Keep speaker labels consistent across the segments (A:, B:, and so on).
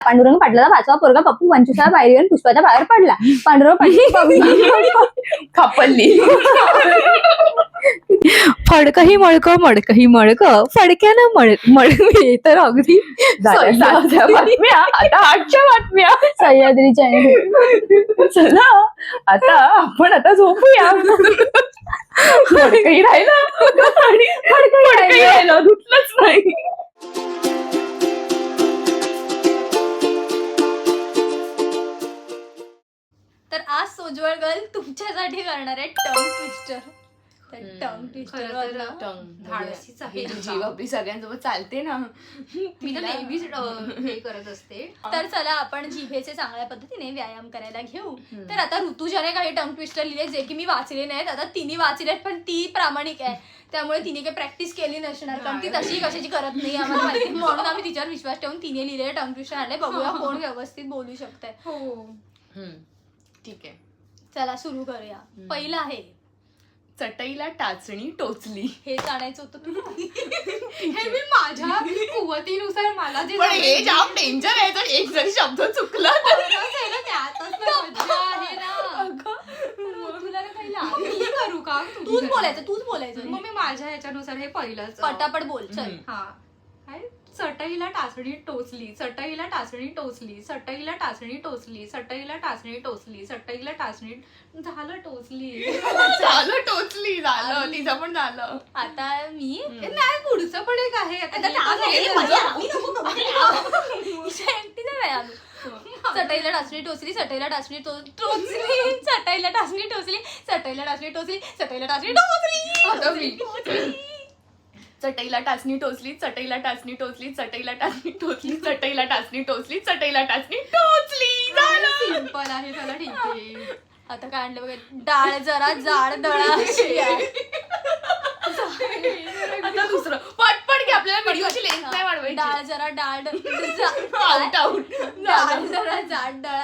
A: पांडुरंग पाटलाचा 5वा पोरगा पप्पू 25व्या पायरीवर पुष्पाच्या पायावर पडला. पांडुरंग पाटील
B: खापल्ली.
C: फडकही मळकं मडकही मळकं फडक्यानं मळवी तर अगदी
B: 7च्या बातम्या आता 8च्या बातम्या.
A: सह्याद्रीच्या
B: चला आपण आता झोपूया. फडकही राहिला आणि फडकही राहिला धुतलंच नाही.
D: तर आज सोज्वळ गर्ल तुमच्यासाठी करणार आहे टंग ट्विस्टर. टंग ट्विस्टर
B: धाडसीच आहे. जीव आपली सगळ्यांसोबत चालते ना,
D: मी तर नेहमीच हे करत असते. तर चला आपण जिभेचे चांगल्या पद्धतीने व्यायाम करायला घेऊ. तर आता ऋतुजाने काही टंग ट्विस्टर लिहिले जे की मी वाचले नाहीत. आता तिने वाचलेत पण ती प्रामाणिक आहे त्यामुळे तिने काही प्रॅक्टिस केली नसणार कारण ती तशी कशाची करत नाही आम्हाला माहिती. म्हणून आम्ही तिच्यावर विश्वास ठेवून तिने लिहिलेले टंग ट्विस्टर आणले. बघूया कोण व्यवस्थित बोलू शकतंय.
B: ठीक आहे,
D: चला सुरू करूया. पहिलं आहे
B: चटईला टाचणी टोचली.
D: हे जाणायचं होतं तुला.
E: हे मी माझ्या कुवतीनुसार मला जे
B: पण हे जाम डेंजर आहे. जर एक जरी शब्द चुकला तर
E: मी करू का?
D: तूच बोलायचं.
E: मग मी माझ्या ह्याच्यानुसार हे पहिलंच
D: पटापट बोल. चल.
E: हा काय चटईला टाचणी टोचली, चटईला टाचणी टोचली, चटईला टाचणी टोचली, चटईला टाचणी टोचली, चटईला टाचणी झालं टोचली.
B: झालं टोचली. झालं तिचं पण झालं.
D: आता मी
E: नाही पुढचं पण एक आहे.
D: चटईला टाचणी टोचली, चटईला टाचणी टोचली, चटईला टाचणी टोचली, चटईला टाचणी टोचली, चटईला टाचणी
B: आता मी.
D: टोचली.
B: चटईला टाचणी टोचली, चटईला टाचणी टोचली, चटईला टाचणी टोचली, चटईला टाचणी टोचली, चटईला टाचणी टोचली. झालं.
E: सिंपल आहे. चला ठीक आहे.
D: आता काय आणलं बघा. डाळ जरा जाड दळा अशी आहे.
B: आता दुसरं पटपट घे. आपल्याला व्हिडिओची लेंथ नाही वाढवायची.
D: डाळ जरा डाळ
B: आउट
D: डाळ जरा जाड दळा.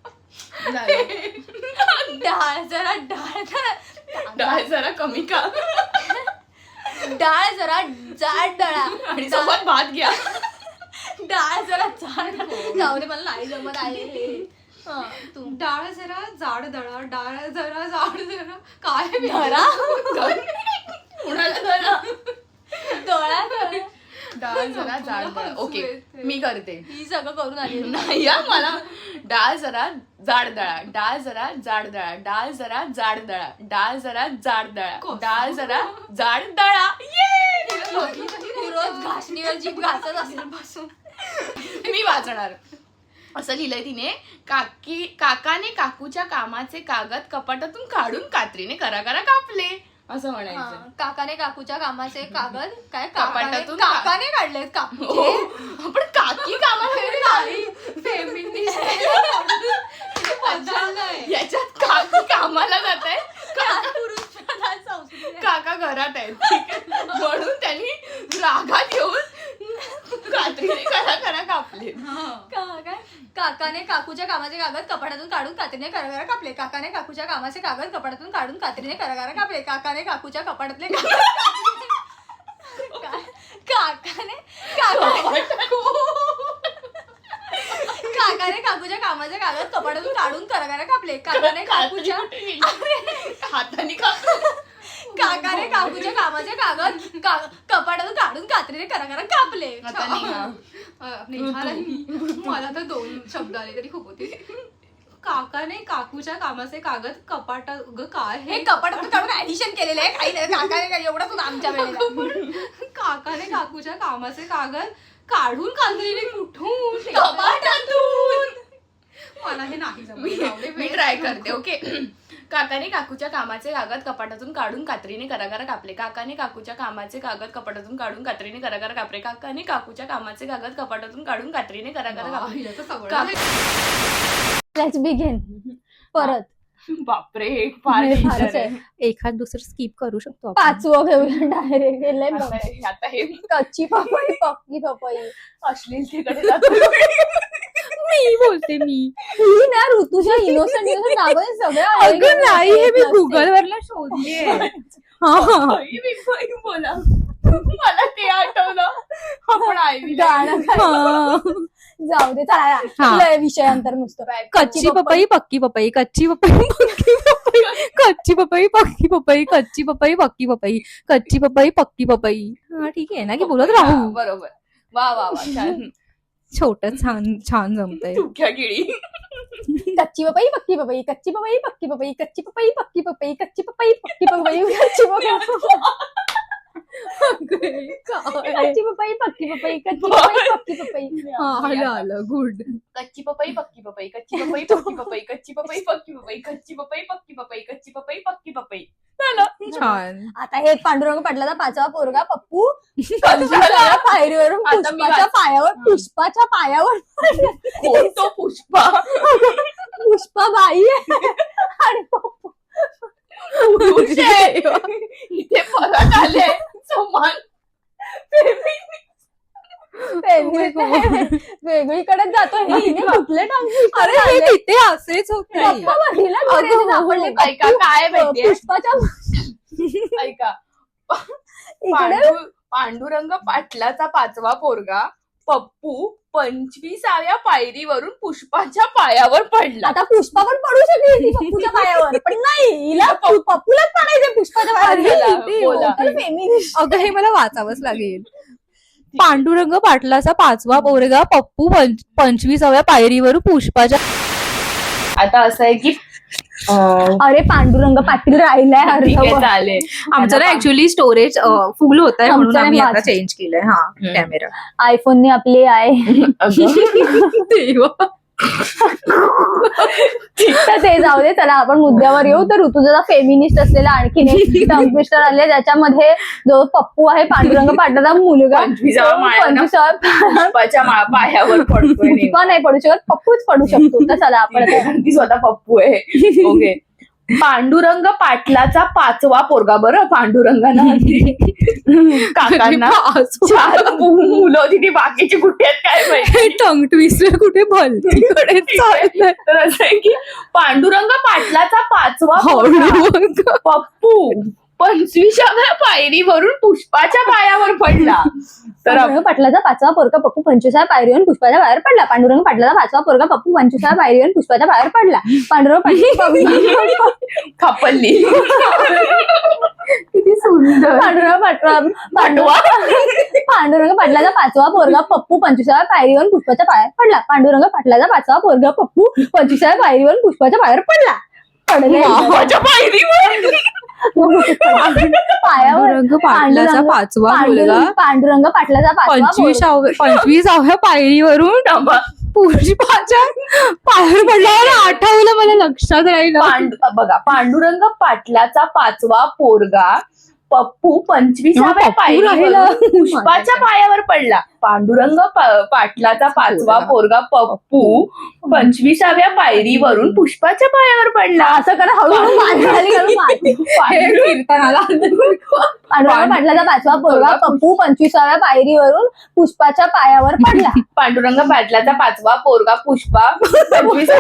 D: डाळ जरा
B: डाळ जरा कमी का.
D: डाळ जरा जाड दळा
B: आणि सोबत भात घ्या.
D: डाळ जरा जाड. जाऊ दे मला नाही जमत आहे हे. तू
E: डाळ जरा जाड दळा, डाळ जरा जाड दळा. काय
D: धरा
B: कुणाला जरा
D: डोळा
B: डाळ जरा जाड दळा. ओके मी करते.
D: ही सगळं करून आली.
B: नाही या मला. डाळ जरा जाड दळा, डाळ जरा जाड दळा, डाळ जरा जाड दळा, डाळ जरा जाड दळा, डाळ जरा जाड दळा.
D: तू रोज घासणीवर जीभ घासत असेल बसून.
B: मी वाचणार. असं लिहिलंय तिने. काकाने काकूच्या कामाचे कागद कपाटातून काढून कात्रीने कराकरा कापले. असं म्हणायचं.
D: काकाने काकूच्या कामाचे कागद काय
B: कपाटातून
D: काकाने काढलेत काकूचे.
B: आपण काकी कामाला याच्यात काकी कामाला जात आहे,
D: पुरुष प्रधान संस्कृती.
B: काका घरात आहेत. ठीक आहे. म्हणून त्यांनी रागात येऊन कात्रीने करा कापले.
D: काकाने काकूच्या कामाचे कागद कपाटातून काढून कात्रीने कराकरा कापले. काकाने काकूच्या कामाचे कागद कपाटातून काढून कात्रीने कराकरा कापले. काकाने काकूच्या कपाटातले काकाने काकूच्या कामाचे कागद कपाटातून काढून कराकरा कापले. काकाने काकूच्या
B: हाताने कापले.
D: काकाने काकूच्या कामाचे कागद कपाटातून काढून कात्रीने कराकरा कापले.
B: आता निघा.
E: मला तर 2 शब्द आले तरी खूप होते. काकाने काकूच्या कामाचे कागद कपाटात काय
D: हे कपाटातून काढून ऍडिशन केलेलं आहे. काही नाही काकाने काय एवढंच होतं आमच्या वेळेला.
E: काकाने काकूच्या कामाचे कागद काढून कात्रीने कुठून
B: कपाटातून.
E: मला हे नाही जमलं.
B: मी ट्राय करते. ओके. काकाने काकूच्या कामाचे कागद कपाटातून काढून कात्रीने कराकरा कापले. काकाने काकूच्या कामाचे कागद कपाटातून काढून कात्रीने कराकरा कापले. काकाने काकूच्या कामाचे कागद कपाटातून काढून कात्रीने कराकरा कापले.
A: Let's begin. परत
B: बापरे फार
A: फारच आहे.
C: एखाद दुसरं स्किप करू शकतो आपण.
A: 5वं घेऊया डायरेक्ट.
B: आता हे
A: कच्ची पपई पक्की पपई.
B: अश्लीलतेकडे जातो.
C: मी बोलते मी.
A: ही ना ऋतूच्या इनोसंट नावं सगळं
C: अगं नाही हे मी गुगल वरला शोधलीये.
B: बोला मला ते आठवलं. आपण
A: गाणं जाऊ दे चला
C: हा.
A: लय विषयांतर नुसतं
C: कच्ची पपई पक्की पपई कच्ची पपई पक्की पपई कच्ची पपई पक्की पपई कच्ची पपई पक्की पपई कच्ची पपई पक्की पपई. हा ठीक आहे ना की बोलत राहू.
B: बरोबर. वा वा वा छान.
C: छोट छान छान जमतंय.
B: तुक्या किडी.
A: कच्ची पपई पक्की पपई कच्ची पपई पक्की पपई कच्ची पपई पक्की पपई कच्ची पपई पक्की पपई कच्ची पपई कच्ची पपई पक्की पपई कच्ची पपई पक्की पपई.
C: आलं आलं गुड.
B: कच्ची पपई पक्की पपई कच्ची पपई पक्की पपई कच्ची पपई पक्की पपई कच्ची पपई पक्की पपई कच्ची पपई पक्की पपई. झालं.
C: छान.
A: आता हे पांडुरंग पाटलाचा 5वा पोरगा पप्पू
B: झालं?
A: पायरीवरून
B: आता मी
A: पुष्पाच्या पायावर
B: कोण तो पुष्पा?
A: पुष्पा बाई आहे आणि पप्पू
B: पुरुष आहे. इथे परत आले समान.
A: वेगळीकडे जातो हे हिने कुठले
C: अरे हे तिथे असेच होते.
B: ऐका काय माहितीये
A: पुष्पाच्या
B: ऐका
A: इकडे
B: पांडुरंग पाटलाचा 5वा पोरगा पप्पू 25व्या पायरीवरून पुष्पाच्या पायावर पडला.
A: आता पुष्पा पण पडू शकते ती पप्पूच्या पायावर पण नाही हिला पप्पूलाच पडायचं पुष्पाच्या
B: बोला.
A: पायावर फेमिनिस्ट.
C: अगं हे मला वाचावंच लागेल. पांडुरंग पाटलाचा 5वा पोरगा पप्पू 25व्या पायरीवरून पुष्पाच्या.
B: आता असं आहे की
A: अरे पांडुरंग पाटील राहिलाय
B: ठीक आहे
A: अर्धवट.
B: चालेल.
C: आमचं ना ऍक्च्युअली स्टोरेज फुल होत आहे म्हणून
A: आमचं
C: आम्ही
A: नाही
C: आता
A: वाच.
C: चेंज केलंय. हा कॅमेरा.
A: आयफोनने आपले आहे
B: अगं,
A: तर ते जाऊ दे. चला आपण मुद्द्यावर येऊ. तर ऋतुजा फेमिनिस्ट असलेला आणखीन एक टंग ट्विस्टर आले ज्याच्यामध्ये जो पप्पू आहे पांडुरंग पाटलाचा मुलगा
B: 25व्या माळ्यानं
A: 25व्या
B: पुष्पाच्या पायावर पडतोय नेमका.
A: पुष्पा नाही पडू शकत पप्पूच पडू शकतो. तर चला आपण आता-
B: कारण ती स्वतः पप्पू आहे. ओके. पांडुरंग पाटलाचा 5वा पोरगा. बरं पांडुरंगानं काकांना 4 मुलं होती ती बाकीची कुठे आहेत काय माहिती.
C: टंग ट्विस्टर कुठे भलतीकडे चाललंय.
B: तर असं आहे की पांडुरंग पाटलाचा 5वा पोरगा
C: हळू.
B: पप्पू 25व्या पायरीवरून पुष्पाच्या पायावर पडला. तर
A: पांडुरंग पाटलाचा 5वा पोरगा पप्पू 25व्या पायरीवरून पुष्पाच्या बाहेर पडला. पांडुरंग पाटलाचा 5वा पोरगा पप्पू 25व्या पायरीवरून पुष्पाच्या बाहेर पडला. पांडुरंग पाटला
B: खापल्ली.
A: किती सुंदर. पांडुरंग पाटलाचा 5वा पोरगा पप्पू 25व्या पायरीवरून पुष्पाच्या पायावर पडला. पांडुरंग पाटलाचा 5वा पोरगा पप्पू 25व्या पायरीवरून पुष्पाच्या बाहेर पडला.
B: पुष्पाच्या पायरीवर
C: पांडुरंग पाटलाचा 5वा मुलगा
A: पांडुरंग पाटलाचा 5वा
C: 25व्या पायरीवरून पुष्पाच्या पायावर पडल्यावर आठवलं मला लक्षात राहिलं.
B: बघा पांडुरंग पाटलाचा 5वा पोरगा पप्पू 25व्या
C: पप्पू
B: पायरीवरून
C: राहिला.
B: पुष्पाच्या पायावर पडला. पांडुरंग पाटलाचा 5वा पोरगा पप्पू 25व्या पायरीवरून पुष्पाच्या पायावर पडला.
A: असं करा हळूहळू पांडुरंग पाटलाचा 5वा पोरगा पप्पू 25व्या पायरीवरून पुष्पाच्या पायावर पडला.
B: पांडुरंग पाटलाचा 5वा पोरगा पुष्पा 25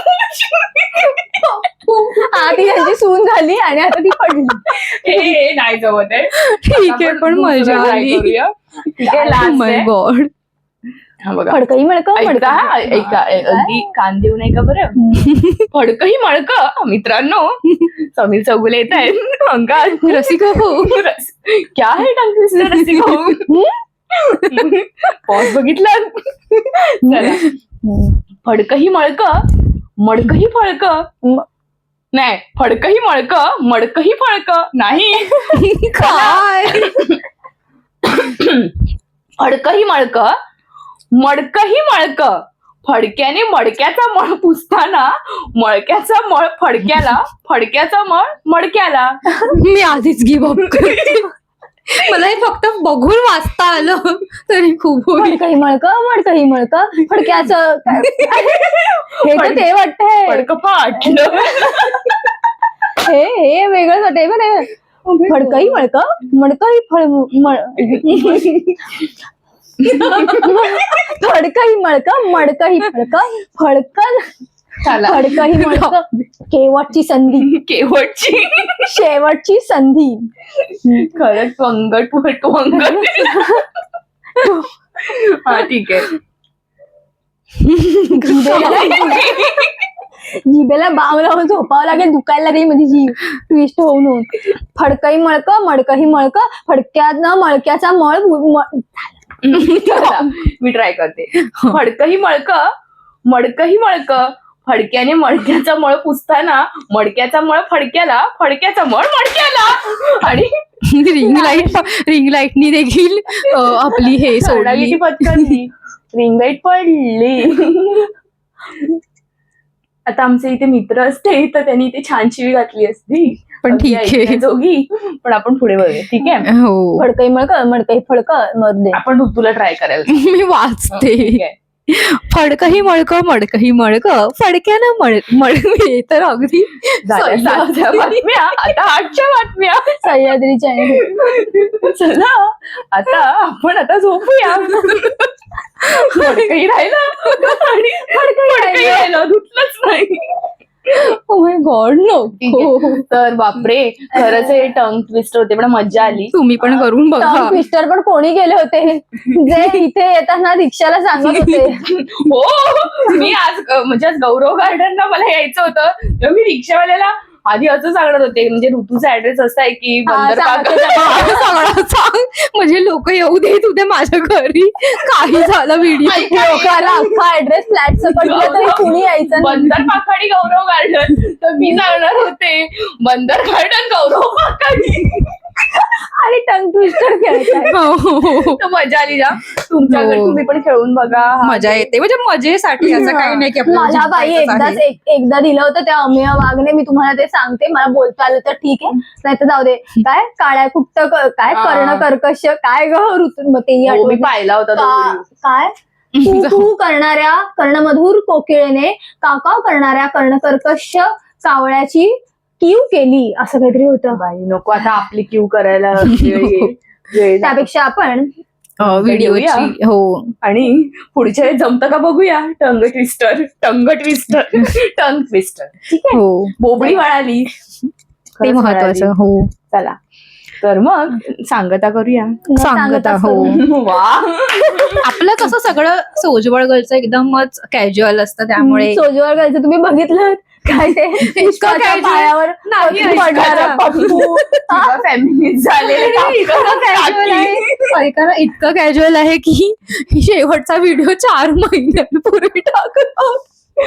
A: ती त्यांची सून झाली आणि आता ती पडली.
B: हे नाही जमत आहे.
C: ठीक आहे पण
B: आपण
C: मजा
B: दुसरं try
C: आली.
B: करूया. ठीक आहे
C: Oh
B: लास्ट
C: my
B: आहे.
C: God.
B: हा बघा
A: फडकही मिळकं
B: ऐका हा, ऐका अगदी कान देऊ नये का बरं. फडकही मळक मित्रांनो. समीर चौगुले येत आहेत अंगात.
C: रसिका हो.
B: क्या है टंग ट्विस्टर रसिका हो. पॉज बघितला. चला. फडकही मळक मडकही फळक नाही. फडकही मळक मडकही फळक नाही.
C: काय
B: फडकही मळक मडकही मळक. फडक्याने मडक्याचा मळ पुसताना मळक्याचा मळ फडक्याला फडक्याचा मळ मडक्याला.
C: मी आधीच गिव्ह अप करते. मला हे फक्त बघून वाचता आलं तरी खूप होईल.
A: फडकही मळकं फडक्याचं हे तर ते वाटतंय.
B: फडक फाटलं.
A: हे वेगळंच वाटतंय बरं. फडकही मडकही फडकही मडकही फडकन
B: चला.
A: फडकही मडकं केवटची संधी शेवटची संधी.
B: खरंच वंगट. हा ठीक आहे.
A: जिभेला बाम लावून झोपावं लागेल, दुखायला लागेल माझी जीभ ट्विस्ट होऊन होऊन. फडकही मळक मडकही मळक, फडक्यानं मळक्याचा मळ
B: चला, मी ट्राय करते. फडकही मळक मडकही मळक, फडक्याने मडक्याचा मळ पुसताना मडक्याचा मळ फडक्याला, फडक्याचा मळ मडक्याला. आणि
C: रिंग लाईटनी देखील आपली हे सोडली.
B: किती पटकन रिंग लाईट पडली. आता आमचे इथे मित्र असते तर त्यांनी इथे छान शिवी घातली असती,
C: पण ठीक आहे.
B: ऐकण्याजोगी. पण आपण पुढे वळूया, ठीक आहे.
C: हो,
A: फडकही मळक मडकही फडक मरदे.
B: आपण ऋतूला ट्राय करायला.
C: मी वाचते.
B: ठीक आहे.
C: फडकही मळक मडकही मळक, फडक्यानं मळवे तर अगदी
B: झाल्या 7च्या बातम्या, आता 8च्या बातम्या.
A: सह्याद्री चॅनल.
B: चला आता आपण आता झोपूया. फडकही राहिला आणि फडकही राहिला, धुतलंच नाही.
A: Oh my God no.
B: ठीक आहे. तर बापरे, खरंच हे टंग ट्विस्टर होते, पण मजा आली.
C: तुम्ही पण करून बघा.
A: टंग ट्विस्टर पण कोणी गेले होते जे इथे येताना रिक्षाला सांगत होते.
B: हो, मी आज म्हणजे आज गौरव गार्डनला मला यायचं होतं, तेव्हा मी रिक्षावाल्याला आधी असं सांगणार होते, म्हणजे ऋतूचा ऍड्रेस असा आहे की बंदर
C: सगळं सांग, म्हणजे लोक येऊ देत होते माझ्या घरी. काही झालं व्हिडिओ
A: लोकांना अख्खा ऍड्रेस फ्लॅट पडलं तरी कुणी यायचं नाही.
B: बंदर पाखाडी गौरव गार्डन, तर मी सांगणार होते बंदर गार्डन गौरव पाखाडी.
A: आणि टंग ट्विस्टर खेळताय.
B: तर मजा आली जा. तुमच्या घरी
C: हो.
B: तुम्ही पण खेळून बघा.
C: मजा येते, म्हणजे मजेसाठी. असं काही नाही की आपल्याला
A: मला बाई
C: जिंकायचंच आहे.
A: एकदा दिलं होतं त्या अमेय वाघने. मी तुम्हाला ते सांगते, मला बोलता आलं तर ठीक आहे, नाही तर जाऊ दे. काय काळ्या कुट्ट काय कर्ण कर्कश काय ग ऋतू, मग तेही
B: हो, मी
A: आठवत
B: पाहिला होता तो video.
A: काय तू तू करणाऱ्या कर्णमधुर कोकिळेने काकाव करणाऱ्या कर्णकर्कश कावळ्याची कीव केली, असं काहीतरी होतं.
B: बाई नको आता आपली क्यू करायला वेळ येईल.
A: त्यापेक्षा आपण
C: व्हिडिओची. हो,
B: आणि पुढच्या वेळेस जमतं का बघूया. Tongue twister tongue twister tongue twister. ठीक आहे.
C: हो,
B: बोबडी वळाली,
C: ते
B: खरंच
C: महत्वाचं.
B: वळाली.
C: हो,
B: चला तर मग सांगता करूया.
C: सांगता. हो,
B: वा,
C: आपलं कसं सगळं सोजवळ गर्लचं एकदमच कॅज्युअल असतं, त्यामुळे
A: सोजवळ गायचं तुम्ही बघितलं काय ते पुष्पाच्या
C: casual
A: पायावर
C: नाही,
A: पडणारा
C: ऐका.
A: पप्पू.
B: फेमिनिस्ट झालेले
C: इतकं casual आहे. ऐका ना, इतकं कॅज्युअल आहे की शेवटचा व्हिडिओ 4 महिन्यांपूर्वी टाकत आहोत.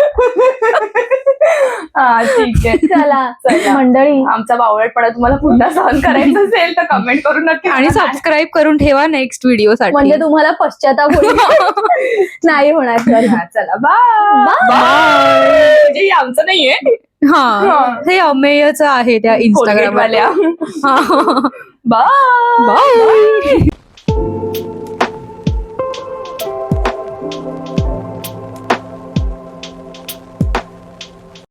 B: हा ठीक आहे.
A: चला मंडळी,
B: आमचा बावळटपणा तुम्हाला पुन्हा सहन करायचा असेल तर कमेंट करून नक्की
C: आणि
B: सांगा.
C: सबस्क्राईब करून ठेवा नेक्स्ट व्हिडिओ साठी.
A: म्हणजे तुम्हाला पश्चाताप होईल. नाही होणार तर.
B: हा, चला बाय. म्हणजे हे आमचं नाहीये,
C: हा, हे अमेयच आहे त्या इंस्टाग्राम
B: वाल्या.
C: वाल्या.
B: बाय.
C: बाय.